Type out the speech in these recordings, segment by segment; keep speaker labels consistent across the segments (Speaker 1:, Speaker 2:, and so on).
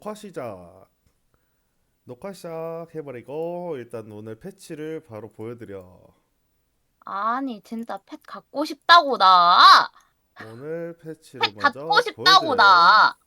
Speaker 1: 녹화 시작. 녹화 시작해버리고 일단 오늘 패치를 바로 보여드려.
Speaker 2: 아니 진짜 펫 갖고 싶다고 나.
Speaker 1: 오늘 패치를
Speaker 2: 펫 갖고
Speaker 1: 먼저
Speaker 2: 싶다고
Speaker 1: 보여드려요.
Speaker 2: 나.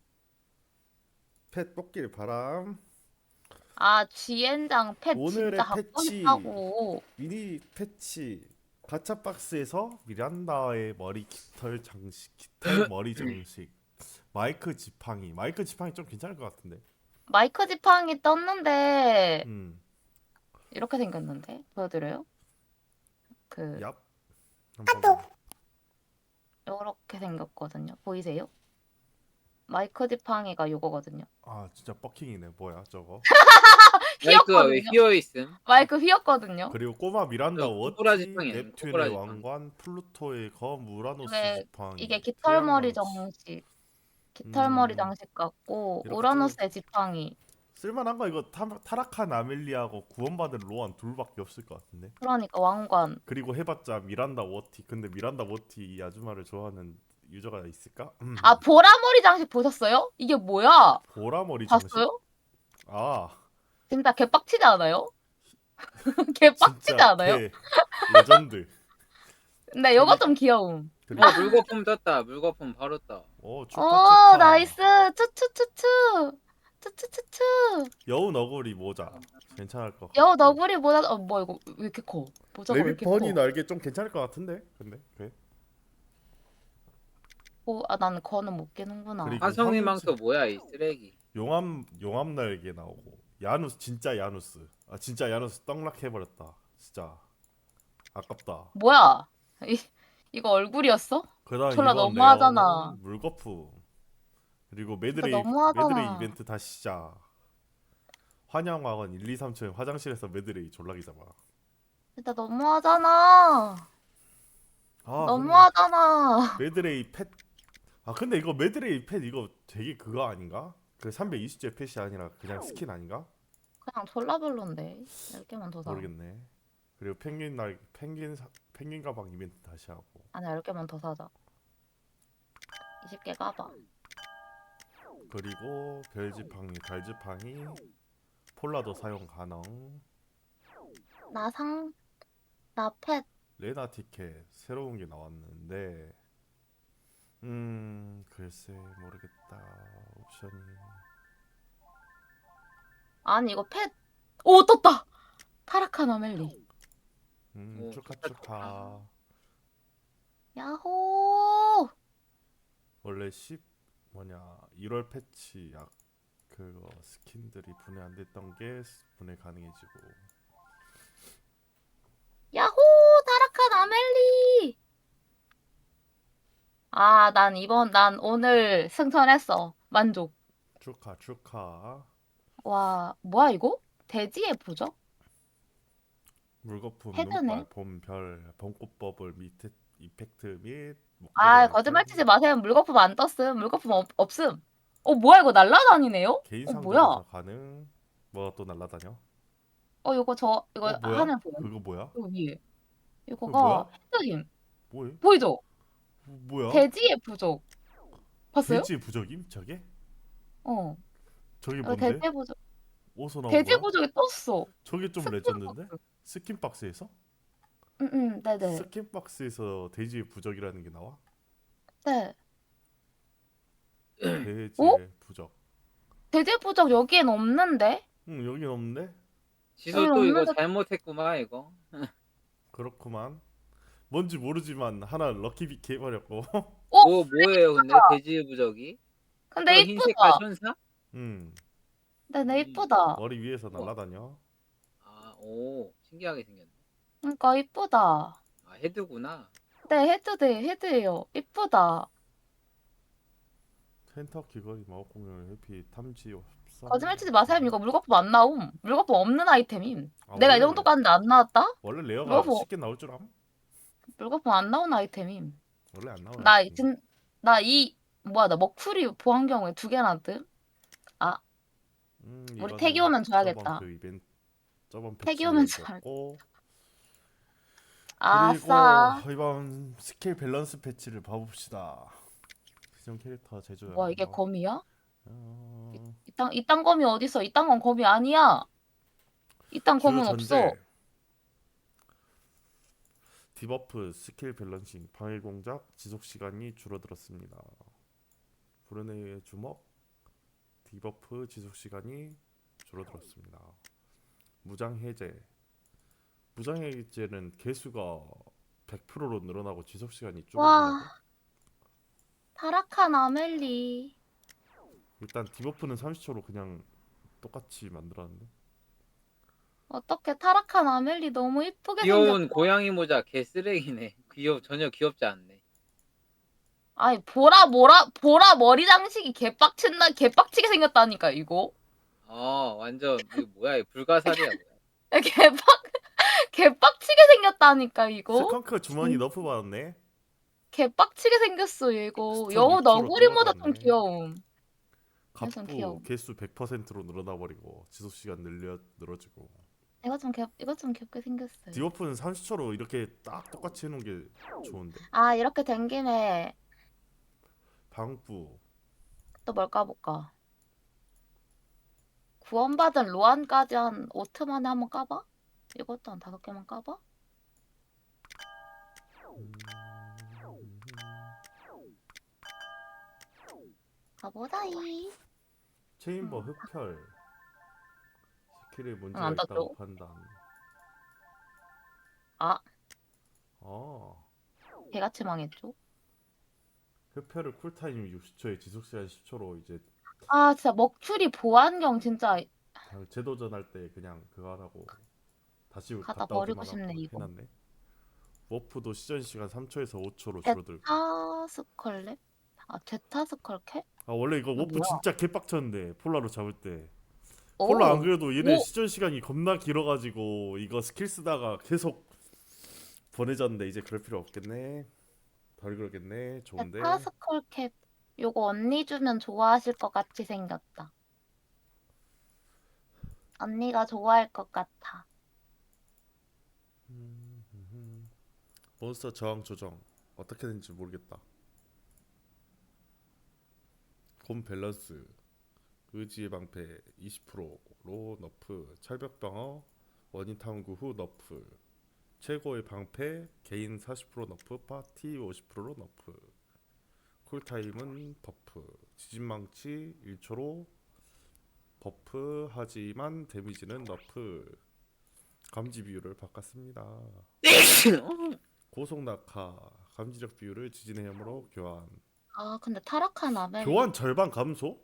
Speaker 1: 펫 뽑길 바람.
Speaker 2: 아 지엔장 펫 진짜
Speaker 1: 오늘의
Speaker 2: 갖고
Speaker 1: 패치
Speaker 2: 싶다고.
Speaker 1: 미니 패치 가챠 박스에서 미란다의 머리 깃털 장식, 깃털 머리 장식, 마이크 지팡이 좀 괜찮을 것 같은데.
Speaker 2: 마이크 지팡이 떴는데
Speaker 1: 음,
Speaker 2: 이렇게 생겼는데 보여드려요? 그
Speaker 1: 얍. 한번 봐봐.
Speaker 2: 이렇게 생겼거든요. 보이세요? 마이크 지팡이가 요거거든요.
Speaker 1: 아 진짜 버킹이네. 뭐야 저거?
Speaker 3: 마이크가 왜
Speaker 2: 휘었거든요.
Speaker 3: 휘어 있음?
Speaker 2: 마이크 휘었거든요.
Speaker 1: 그리고 꼬마 미란다
Speaker 3: 저 꼬부라
Speaker 1: 워티,
Speaker 3: 지팡이네.
Speaker 1: 넵튠의
Speaker 3: 꼬부라 지팡이.
Speaker 1: 왕관, 플루토의 검, 우라노스
Speaker 2: 이게
Speaker 1: 지팡이,
Speaker 2: 이게 깃털머리
Speaker 1: 태양망치.
Speaker 2: 장식. 깃털머리
Speaker 1: 음
Speaker 2: 장식 같고
Speaker 1: 이렇게 좀
Speaker 2: 우라노스의 지팡이.
Speaker 1: 쓸만한 거 이거 타락한 아멜리아하고 구원받은 로안 둘밖에 없을 것 같은데.
Speaker 2: 그러니까 왕관.
Speaker 1: 그리고 해봤자 미란다 워티. 근데 미란다 워티 이 아줌마를 좋아하는 유저가 있을까?
Speaker 2: 아 보라머리 장식 보셨어요? 이게 뭐야?
Speaker 1: 보라머리 장식?
Speaker 2: 봤어요?
Speaker 1: 아
Speaker 2: 진짜 개빡치지 않아요? 개빡치지
Speaker 1: 진짜
Speaker 2: 않아요?
Speaker 1: 개 레전드.
Speaker 2: 근데
Speaker 1: 그리,
Speaker 2: 요거 좀 귀여움.
Speaker 1: 그리고
Speaker 3: 물거품 떴다. 물거품 바로 떠.
Speaker 1: 축하
Speaker 2: 오
Speaker 1: 축하.
Speaker 2: 나이스 추추추추 추추추추.
Speaker 1: 여우 너구리 모자 괜찮을 것
Speaker 2: 여
Speaker 1: 같고.
Speaker 2: 너구리 모자 뭐야 이거 왜 이렇게 커? 모자가 왜
Speaker 1: 레빗
Speaker 2: 이렇게
Speaker 1: 버니
Speaker 2: 커?
Speaker 1: 날개 좀 괜찮을 것 같은데. 근데 그래.
Speaker 2: 아 나는 거는 못 끼는구나.
Speaker 1: 그리고
Speaker 3: 화성의 망토 뭐야 이 쓰레기.
Speaker 1: 용암 날개 나오고 야누스 진짜 야누스. 아 진짜 야누스 떡락 해버렸다. 진짜 아깝다.
Speaker 2: 뭐야? 이거 얼굴이었어?
Speaker 1: 그다음
Speaker 2: 졸라
Speaker 1: 이번
Speaker 2: 너무하잖아.
Speaker 1: 레어는 물거품. 그리고
Speaker 2: 진짜
Speaker 1: 메드레이
Speaker 2: 너무하잖아.
Speaker 1: 이벤트 다시 시작. 환영왕은 1, 2, 3층 화장실에서 메드레이 졸라기 잡아.
Speaker 2: 진짜 너무하잖아.
Speaker 1: 근데
Speaker 2: 너무하잖아.
Speaker 1: 메드레이 펫. 근데 이거 메드레이 펫 이거 되게 그거 아닌가? 그 320제 펫이 아니라 그냥 스킨 아닌가?
Speaker 2: 그냥 졸라 별론데. 10개만 더 사.
Speaker 1: 모르겠네. 그리고 펭귄 가방 이벤트 다시 하고.
Speaker 2: 아니 10개만 더 사자. 20개 까봐.
Speaker 1: 그리고 별지팡이, 달지팡이, 폴라도 사용 가능.
Speaker 2: 나 상, 나 펫.
Speaker 1: 레나 티켓 새로운 게 나왔는데 글쎄 모르겠다. 옵션이
Speaker 2: 아니 이거 펫. 오 떴다. 타라칸 아멜리.
Speaker 3: 오,
Speaker 1: 축하
Speaker 3: 좋다,
Speaker 1: 축하.
Speaker 2: 야호.
Speaker 1: 원래 10 뭐냐 1월 패치 그거 스킨들이 분해 안 됐던 게 분해 가능해지고.
Speaker 2: 야호 타라칸 아멜리. 아 난 오늘 승천했어. 만족.
Speaker 1: 축하 축하.
Speaker 2: 와 뭐야 이거? 돼지의 부적?
Speaker 1: 물거품, 눈발,
Speaker 2: 헤드네.
Speaker 1: 봄별, 봄꽃버블 밑에 이펙트 및 목도리
Speaker 2: 아 거짓말 치지
Speaker 1: 아이템.
Speaker 2: 마세요. 물거품 안 떴음. 물거품 없음. 뭐야 이거 날라다니네요?
Speaker 1: 개인
Speaker 2: 뭐야?
Speaker 1: 상점에서 가능. 뭐가 또 날라다녀?
Speaker 2: 이거
Speaker 1: 뭐야?
Speaker 2: 하면 보여.
Speaker 1: 그거 뭐야?
Speaker 2: 이거 위에.
Speaker 1: 그거 뭐야?
Speaker 2: 이거가 헤드힘.
Speaker 1: 뭐해?
Speaker 2: 보이죠?
Speaker 1: 뭐야?
Speaker 2: 돼지의 부족. 봤어요?
Speaker 1: 돼지의 부적임? 저게?
Speaker 2: 어.
Speaker 1: 저게
Speaker 2: 이거
Speaker 1: 뭔데?
Speaker 2: 돼지의 부족.
Speaker 1: 어디서 나온
Speaker 2: 돼지의
Speaker 1: 거야?
Speaker 2: 부족이 떴어.
Speaker 1: 저게 좀 레전드인데?
Speaker 2: 스킨박스.
Speaker 1: 스킨박스에서?
Speaker 2: 응응, 네네.
Speaker 1: 스킨박스에서 돼지의 부적이라는 게 나와?
Speaker 2: 네. 어?
Speaker 1: 돼지의 부적.
Speaker 2: 돼지의 부족 여기엔 없는데?
Speaker 1: 응, 여긴 없는데?
Speaker 3: 지소
Speaker 2: 여긴
Speaker 3: 또 이거
Speaker 2: 없는데?
Speaker 3: 잘못했구만 이거.
Speaker 1: 그렇구만. 뭔지 모르지만 하나 럭키비키 해버렸고.
Speaker 2: 어?
Speaker 3: 뭐예요 근데 돼지 부적이?
Speaker 2: 근데
Speaker 3: 저 흰 색깔
Speaker 2: 이쁘다.
Speaker 3: 천사?
Speaker 1: 음,
Speaker 2: 네네, 이쁘다.
Speaker 1: 머리 위에서
Speaker 3: 우와.
Speaker 1: 날아다녀.
Speaker 3: 오 신기하게 생겼네.
Speaker 2: 그러니까 이쁘다.
Speaker 3: 헤드구나.
Speaker 2: 네, 헤드예요. 이쁘다.
Speaker 1: 텐터 귀걸이 마법공룡 해피 탐지 없어.
Speaker 2: 거짓말 치지 마세요. 이거 물거품 안 나옴. 물거품 없는 아이템임. 내가 이
Speaker 1: 원래
Speaker 2: 정도 갔는데 안 나왔다?
Speaker 1: 원래 레어가
Speaker 2: 물거품,
Speaker 1: 쉽게 나올 줄 암?
Speaker 2: 물거품 안 나온 아이템임.
Speaker 1: 원래 안 나오는
Speaker 2: 나,
Speaker 1: 아이템.
Speaker 2: 뭐야, 나 먹풀이 보안경우에 2개나 뜸? 아, 우리 태기
Speaker 1: 이거는
Speaker 2: 오면
Speaker 1: 저번
Speaker 2: 줘야겠다.
Speaker 1: 그 이벤트 저번
Speaker 2: 태기
Speaker 1: 패치에
Speaker 2: 오면 줘야
Speaker 1: 있었고. 그리고
Speaker 2: 아싸.
Speaker 1: 이번 스킬 밸런스 패치를 봐봅시다. 시즌 캐릭터
Speaker 2: 뭐야, 이게
Speaker 1: 제조였나?
Speaker 2: 거미야? 이딴 검이 어딨어? 이딴 건 검이 아니야. 이딴
Speaker 1: 주요
Speaker 2: 검은
Speaker 1: 전제.
Speaker 2: 없어.
Speaker 1: 디버프, 스킬 밸런싱, 방해 공작, 지속 시간이 줄어들었습니다. 브루네의 주먹, 디버프, 지속 시간이 줄어들었습니다. 무장 해제. 무장 해제는 개수가 100%로 늘어나고 지속 시간이 줄어든다고?
Speaker 2: 와, 타락한 아멜리.
Speaker 1: 일단 디버프는 30초로 그냥 똑같이 만들었는데.
Speaker 2: 어떻게 타락한 아멜리 너무 이쁘게
Speaker 3: 귀여운
Speaker 2: 생겼다.
Speaker 3: 고양이 모자 개 쓰레기네. 전혀 귀엽지 않네.
Speaker 2: 아니, 보라 머리 장식이 개빡치게 생겼다니까, 이거.
Speaker 3: 완전 이거 뭐야? 이거 불가사리야 뭐야?
Speaker 2: 개빡치게 생겼다니까, 이거.
Speaker 1: 스컹크 주머니 너프 받았네.
Speaker 2: 개빡치게 생겼어, 이거.
Speaker 1: 스톤
Speaker 2: 여우
Speaker 1: 6%로
Speaker 2: 너구리보다 좀
Speaker 1: 떨어졌네.
Speaker 2: 귀여움. 완전 귀여워.
Speaker 1: 갑부 개수 100%로 늘어나 버리고 지속 시간 늘어지고.
Speaker 2: 이거 좀 귀엽게 생겼어요.
Speaker 1: 디버프는 30초로 이렇게 딱 똑같이 해놓은 게 좋은데.
Speaker 2: 아, 이렇게 된 김에
Speaker 1: 방부
Speaker 2: 또 뭘 까볼까? 구원받은 로안까지 한 5트 만에 한번 까봐? 이것도 한 5개만 까봐? 가보자이.
Speaker 1: 체인버 흡혈 스킬에 문제가
Speaker 2: 안
Speaker 1: 있다고
Speaker 2: 떴죠?
Speaker 1: 판단.
Speaker 2: 아,
Speaker 1: 어
Speaker 2: 개같이 망했죠?
Speaker 1: 흡혈을 쿨타임 60초에 지속시간 10초로 이제
Speaker 2: 아, 진짜 먹추리 보안경 진짜
Speaker 1: 그냥 재도전할 때 그냥 그거 하라고 다시
Speaker 2: 갖다
Speaker 1: 갔다
Speaker 2: 버리고
Speaker 1: 오기만
Speaker 2: 싶네,
Speaker 1: 하고
Speaker 2: 이거.
Speaker 1: 해놨네. 워프도 시전 시간 3초에서 5초로 줄어들고.
Speaker 2: 제타스컬랩? 아, 제타스컬캡?
Speaker 1: 아 원래 이거
Speaker 2: 이거
Speaker 1: 워프
Speaker 2: 뭐야?
Speaker 1: 진짜 개빡쳤는데 폴라로 잡을 때.
Speaker 2: 오,
Speaker 1: 폴라 안 그래도 얘네
Speaker 2: 오.
Speaker 1: 시전 시간이 겁나 길어가지고 이거 스킬 쓰다가 계속 보내졌는데 이제 그럴 필요 없겠네. 덜 그러겠네. 좋은데.
Speaker 2: 제타스컬캡. 요거 언니 주면 좋아하실 것 같이 생겼다. 언니가 좋아할 것 같아.
Speaker 1: 몬스터 저항 조정 어떻게 되는지 모르겠다. 곰 밸런스 의지의 방패 20%로 너프, 철벽 방어 원인 탐구 후 너프, 최고의 방패 개인 40% 너프, 파티 50%로 너프, 쿨타임은 버프, 지진망치 1초로 버프 하지만 데미지는 너프, 감지 비율을 바꿨습니다. 고속 낙하 감지력 비율을 지진의 힘으로 교환.
Speaker 2: 아, 근데 타락한 아멜리.
Speaker 1: 교환 절반 감소?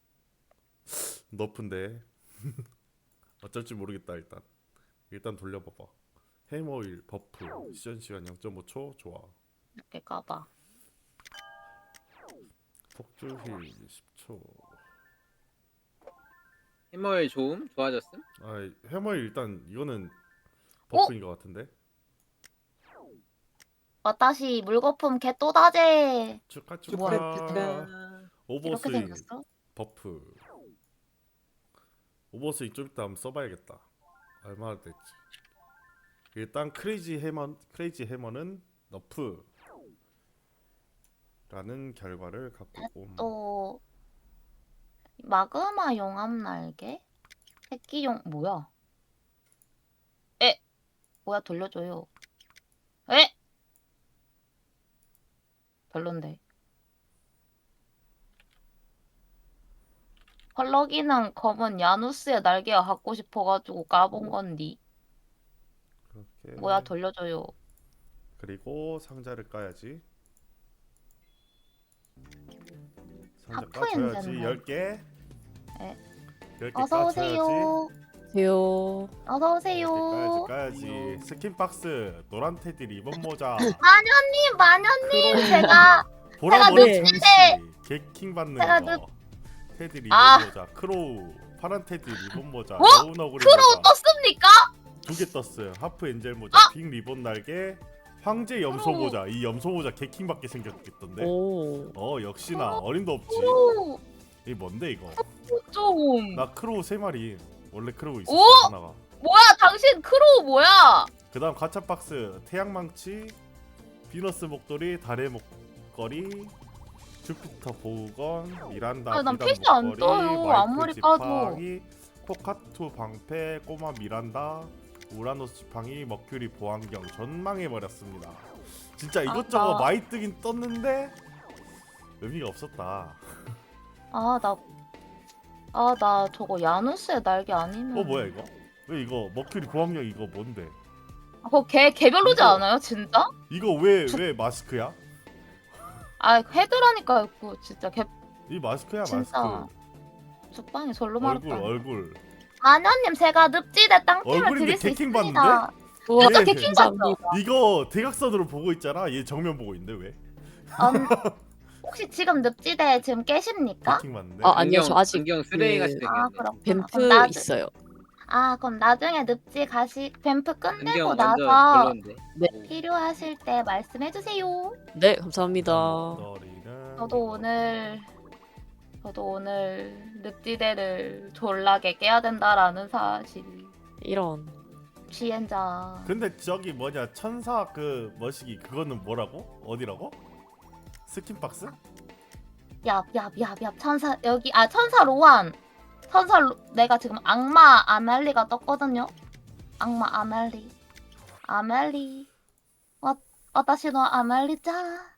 Speaker 1: 너프인데 어쩔지 모르겠다. 일단 돌려봐봐. 해머일 버프 시전 시간 0.5초 좋아.
Speaker 2: 이렇게 까봐.
Speaker 1: 폭주 힐 10초.
Speaker 3: 해머의 좋음 좋아졌음?
Speaker 1: 아 해머일 일단 이거는 버프인 것 같은데.
Speaker 2: 와다시 물거품 개 또다제.
Speaker 1: 축하
Speaker 2: 뭐야,
Speaker 1: 축하.
Speaker 2: 이렇게
Speaker 1: 오버스윙
Speaker 2: 생겼어?
Speaker 1: 버프. 오버스윙 좀 이따 한번 써봐야겠다. 얼마나 됐지? 일단 크레이지 해머는 너프 라는 결과를 갖고 옴.
Speaker 2: 또 마그마 용암 날개? 새끼용 뭐야? 뭐야 돌려줘요. 별론데. 펄럭이는 검은 야누스의 날개가 갖고 싶어가지고 까본 건디.
Speaker 1: 그렇게.
Speaker 2: 뭐야 돌려줘요.
Speaker 1: 그리고 상자를 까야지. 상자
Speaker 2: 하프
Speaker 1: 까줘야지.
Speaker 2: 엔젤네.
Speaker 1: 10개.
Speaker 2: 네.
Speaker 1: 10개
Speaker 2: 어서
Speaker 1: 까줘야지.
Speaker 2: 오세요.
Speaker 4: 안녕하세요.
Speaker 2: 어서 오세요.
Speaker 1: 까야지. 스킨박스 노란 테디 리본 모자.
Speaker 2: 마녀님 제가
Speaker 1: 보라 머리
Speaker 2: 늑대인데.
Speaker 1: 장식. 개킹 받는
Speaker 2: 제가
Speaker 1: 거. 테디 리본
Speaker 2: 아.
Speaker 1: 모자. 크로우 파란 테디 리본 모자.
Speaker 2: 어?
Speaker 1: 여우 너구리
Speaker 2: 크로우
Speaker 1: 모자.
Speaker 2: 떴습니까?
Speaker 1: 2개 떴어요. 하프 엔젤 모자. 빅 리본 날개. 황제 염소
Speaker 2: 크로우.
Speaker 1: 모자. 이 염소 모자 개킹 받게 생겼던데.
Speaker 4: 오.
Speaker 1: 역시나 어림도 없지.
Speaker 2: 크로우
Speaker 1: 이 뭔데 이거?
Speaker 2: 좀.
Speaker 1: 나 크로우 3마리. 원래 크로우 있었어
Speaker 2: 오?
Speaker 1: 하나가.
Speaker 2: 뭐야 당신 크로우 뭐야?
Speaker 1: 그다음 가챠 박스 태양망치, 비너스 목도리, 달의 목걸이, 주피터 보건, 미란다
Speaker 2: 아, 난
Speaker 1: 비단
Speaker 2: PC 안
Speaker 1: 목걸이,
Speaker 2: 떠요.
Speaker 1: 마이크
Speaker 2: 아무리 까도.
Speaker 1: 지팡이, 코카투 방패, 꼬마 미란다, 우라노스 지팡이, 머큐리 보안경 전망해버렸습니다. 진짜 이것저것
Speaker 2: 나-
Speaker 1: 많이 뜨긴 떴는데 의미가 없었다.
Speaker 2: 나 저거 야누스의 날개 아니면.
Speaker 1: 뭐야 이거? 왜 이거 머큐리 보안경 이거 뭔데?
Speaker 2: 그거 개별로지
Speaker 1: 이거-
Speaker 2: 않아요, 진짜?
Speaker 1: 이거 왜 마스크야?
Speaker 2: 아, 헤드라니까 그 진짜
Speaker 1: 이 마스크야
Speaker 2: 진짜
Speaker 1: 마스크.
Speaker 2: 죽방이 절로
Speaker 1: 얼굴
Speaker 2: 말았다.
Speaker 1: 얼굴.
Speaker 2: 아냐님 제가 늪지대 땅팀을
Speaker 1: 얼굴인데
Speaker 2: 드릴 수
Speaker 1: 개킹
Speaker 2: 있습니다.
Speaker 1: 받는데?
Speaker 4: 우와,
Speaker 2: 진짜
Speaker 1: 예.
Speaker 2: 개킹 받죠?
Speaker 4: 감사합니다.
Speaker 1: 이거 대각선으로 보고 있잖아. 얘 정면 보고 있는데 왜?
Speaker 2: 혹시 지금 늪지대 지금 깨십니까?
Speaker 1: 개킹 맞는데?
Speaker 4: 아, 아니요, 저 아직
Speaker 3: 안경 쓰레기 같이
Speaker 4: 그-
Speaker 3: 생겼네.
Speaker 2: 아, 그렇구나.
Speaker 4: 뱀프
Speaker 2: 그럼 나중-
Speaker 4: 있어요.
Speaker 2: 그럼 나중에 늪지 뱀프 끝내고
Speaker 3: 안경 완전
Speaker 2: 나서
Speaker 3: 별론데.
Speaker 4: 네.
Speaker 3: 오.
Speaker 2: 필요하실 때 말씀해 주세요.
Speaker 4: 네, 감사합니다.
Speaker 1: 머리는
Speaker 2: 저도 오늘 늪지대를 졸라게 깨야 된다라는 사실.
Speaker 4: 이런.
Speaker 2: 지엔자.
Speaker 1: 근데 저기 뭐냐 천사 그 머시기 그거는 뭐라고? 어디라고? 스킨박스?
Speaker 2: 얍 천사 여기 천사 로안. 내가 지금 악마 아멜리가 떴거든요. 악마 아멜리. 와타시노 아멜리짱.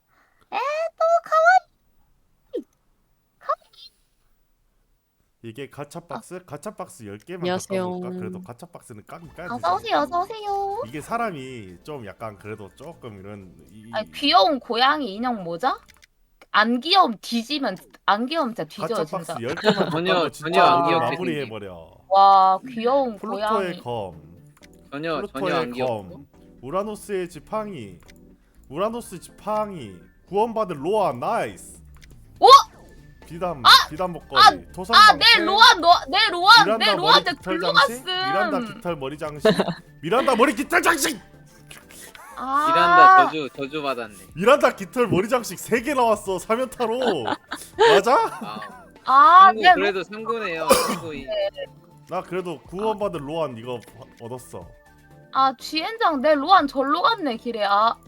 Speaker 1: 이게 가차박스? 가차박스 10개만
Speaker 4: 안녕하세요.
Speaker 1: 바꿔볼까? 그래도 가차박스는 까긴 까야
Speaker 2: 어서 오세요, 어서 오세요.
Speaker 1: 이게 사람이 좀 약간 그래도 조금 이런
Speaker 2: 아니, 귀여운 고양이 인형 모자? 안 귀여움 뒤지면 안 귀여움 진짜 뒤져요
Speaker 1: 가차박스
Speaker 2: 진짜.
Speaker 1: 10개만
Speaker 3: 전혀-
Speaker 1: 바꿔도
Speaker 3: 전혀
Speaker 1: 진짜
Speaker 3: 안
Speaker 1: 오늘
Speaker 3: 귀엽게
Speaker 1: 마무리해버려.
Speaker 2: 와 귀여운
Speaker 1: 플루토의
Speaker 2: 고양이.
Speaker 1: 검,
Speaker 3: 전혀
Speaker 1: 플루토의
Speaker 3: 안 귀엽고.
Speaker 1: 검, 우라노스의 지팡이, 우라노스 지팡이, 구원받은 로아 나이스.
Speaker 2: 오!
Speaker 1: 비단 목걸이, 토성방패,
Speaker 2: 내 로안 내
Speaker 1: 깃털
Speaker 2: 글로
Speaker 1: 장식, 미란다
Speaker 2: 갔음.
Speaker 1: 깃털 머리 장식, 미란다 머리 깃털 장식,
Speaker 3: 미란다 저주 받았네.
Speaker 1: 미란다 깃털 머리 장식 3개 나왔어 3연타로. 맞아?
Speaker 3: 상구
Speaker 2: 내
Speaker 3: 그래도 상구네요. 상구이.
Speaker 1: 나 그래도 구원받은 로안 이거 얻었어.
Speaker 2: 쥐엔장 내 로안 절로 갔네 길에.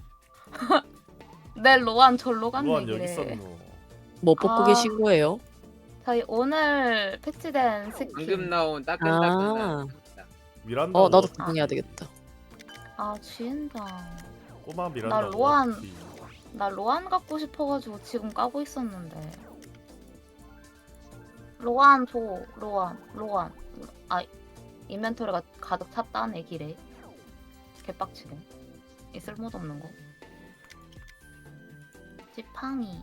Speaker 2: 내 로안 절로 갔네
Speaker 1: 로안 여기
Speaker 2: 길에.
Speaker 1: 있었노.
Speaker 4: 뭐 뽑고
Speaker 2: 아.
Speaker 4: 계신 거예요?
Speaker 2: 저희 오늘 패치된 스킨.
Speaker 3: 방금 나온 따끈따끈한.
Speaker 4: 아.
Speaker 1: 미란다
Speaker 4: 나도
Speaker 1: 워티.
Speaker 4: 구경해야 되겠다.
Speaker 2: 쥐엔장.
Speaker 1: 꼬마 미란다
Speaker 2: 나 로안.
Speaker 1: 워티.
Speaker 2: 나 로안 갖고 싶어가지고 지금 까고 있었는데. 로안 줘. 로안. 인벤토리가 가득 찼다네 길에. 개빡치네. 이 쓸모도 없는 거. 지팡이.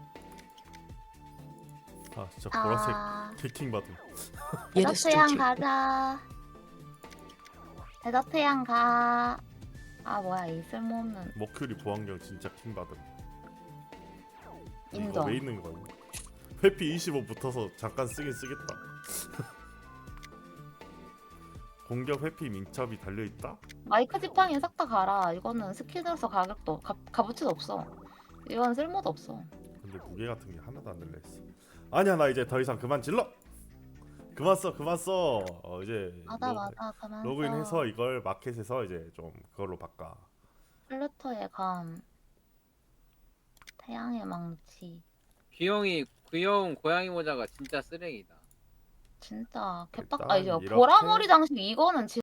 Speaker 1: 진짜 보라색 개킹 받음.
Speaker 4: 얘네
Speaker 2: 데저트 향
Speaker 4: 스토킹.
Speaker 2: 가자. 데저트 향 가. 뭐야 이 쓸모없는.
Speaker 1: 머큐리 보안경 진짜 킹 받음. 이거
Speaker 2: 인정.
Speaker 1: 왜 있는 거야? 회피 25 붙어서 잠깐 쓰긴 쓰겠다. 공격 회피 민첩이 달려 있다?
Speaker 2: 마이크 지팡이 싹 다 가라. 이거는 스킬으로서 가격도 값어치도 없어. 이건 쓸모도 없어.
Speaker 1: 근데 무게 같은 게 하나도 안 들려 있어. 아니야 나 이제 더 이상 그만 질러. 그만 써. 이제
Speaker 2: 맞아 가만.
Speaker 1: 로그인해서 이걸 마켓에서 이제 좀 그걸로 바꿔.
Speaker 2: 플루토의 감. 태양의 망치.
Speaker 3: 귀여운 고양이 모자가 진짜 쓰레기다.
Speaker 2: 진짜 개빡.
Speaker 1: 일단
Speaker 2: 이제
Speaker 1: 이렇게
Speaker 2: 보라머리 장식 이거는